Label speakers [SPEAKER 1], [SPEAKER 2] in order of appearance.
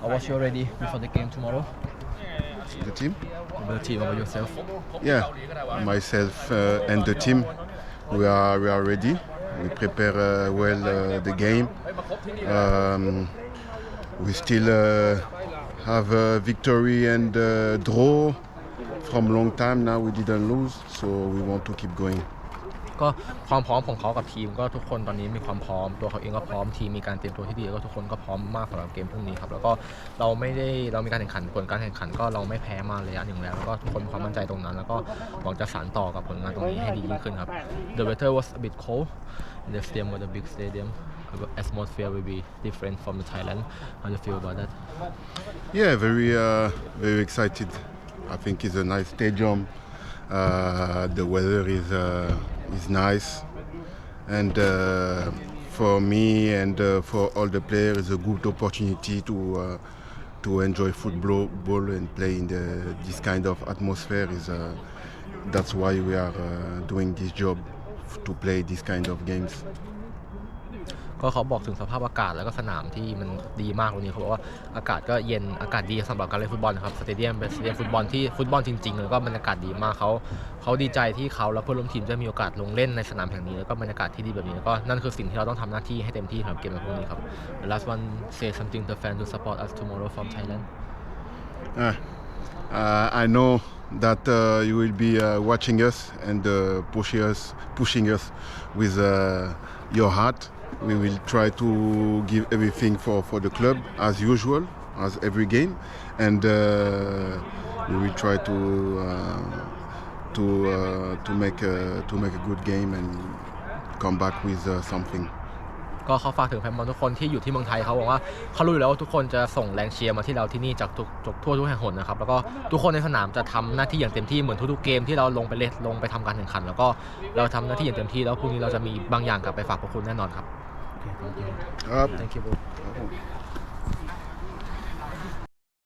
[SPEAKER 1] What's your ready before the game tomorrow?
[SPEAKER 2] The team?
[SPEAKER 1] The team about yourself?
[SPEAKER 2] Yeah, myself and the team, we are ready. We prepare well the game. We still have a victory and draw from long time now. We didn't lose, so we want to keep going.
[SPEAKER 1] ก็ความพร้อมของเขากับทีมก็ทุกคนตอนนี้มีความพร้อมตัวเขาเองก็พร้อมทีมมีการเตรียมตัวที่ดีแล้วก็ทุกคนก็พร้อมมากสำหรับเกมพรุ่งนี้ครับแล้วก็เรามีการแข่งขันผลการแข่งขันก็เราไม่แพ้มาระยะหนึ่งแล้วก็ทุกคนมีความมั่นใจตรงนั้นแล้วก็หวังจะสานต่อกับผลงานตรงนี้ให้ดียิ่งขึ้นครับ The weather was a bit cold. The stadium was a big stadium. The atmosphere will be different from the Thailand. How do you feel about that?
[SPEAKER 2] Yeah, very excited. I think it's a nice stadium. The weather is nice, and for me and for all the players, it's a good opportunity to enjoy football and play in this kind of atmosphere. That's why we are doing this job to play this kind of games.
[SPEAKER 1] ก็เขาบอกถึงสภาพอากาศแล้วก็สนามที่มันดีมากวันนี้เขาบอกว่าอากาศก็เย็นอากาศดีสำหรับการเล่นฟุตบอลนะครับสเตเดียมเป็นสเตเดียมฟุตบอลที่ฟุตบอลจริงๆแล้วก็บรรยากาศดีมากเขาดีใจที่เขาและเพื่อนร่วมทีมจะมีโอกาสลงเล่นในสนามแห่งนี้แล้วก็บรรยากาศที่ดีแบบนี้แล้วก็นั่นคือสิ่งที่เราต้องทำหน้าที่ให้เต็มที่สำหรับเกมในพรุ่งนี้ครับ The last one say something to fans to support us tomorrow from Thailand.
[SPEAKER 2] I know that you will be watching us and pushing us with your heart. We will try to give everything for the club as usual, as every game, and we will try to make a good game and come back with something.
[SPEAKER 1] ก็เขาฝากถึงแฟนบอลทุกคนที่อยู่ที่เมืองไทยเขาบอกว่าเขารู้อยู่แล้วว่าทุกคนจะส่งแรงเชียร์มาที่เราที่นี่จากทั่วทุกแห่งหนนะครับแล้วก็ทุกคนในสนามจะทำหน้าที่อย่างเต็มที่เหมือนทุกๆเกมที่เราลงไปทำการแข่งขันแล้วก็เราทำหน้าที่อย่างเต็มที่แล้วพรุ่งนี้เราจะมีบางอย่างกลับไปฝากพวกคุณแน่นอนครับ
[SPEAKER 2] Up.
[SPEAKER 1] Thank you.